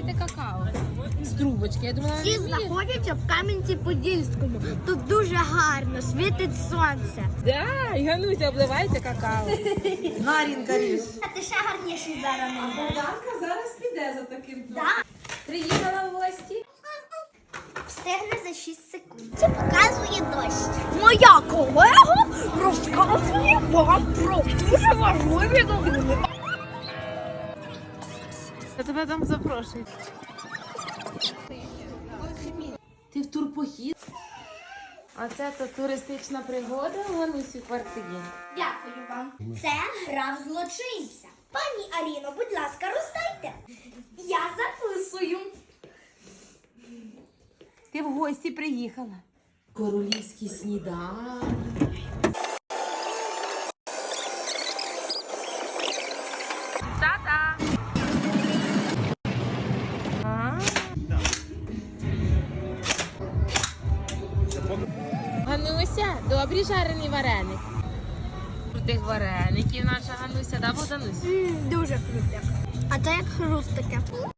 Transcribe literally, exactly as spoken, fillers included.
вливаєте какао з трубочки. Я думала, Всі ви вмієте. знаходяться в Кам'янці-Подільському. Тут дуже гарно, світить сонце. Да, і Гануся, обливаєте какао. Нарінка ріж. А ти ще гарніший зараз. Богданка зараз піде за таким. Да. Приїхала в гості. Встигне за шість секунд. Це показує дощ. Моя колега розказує вам про дуже важливі новини. Я тебе там запрошую. Ти в турпохід? А це то туристична пригода у Ганусі в квартирі. Дякую вам. Це гра в злочинця. Пані Аліно, будь ласка, роздайте. Я записую. Ти в гості приїхала. Королівський сніданок. Та-та! А? Гануся, добрі жарений вареник. Крутих вареників наша Гануся, да, Богданусь? М, дуже круто. А це як хруст таке.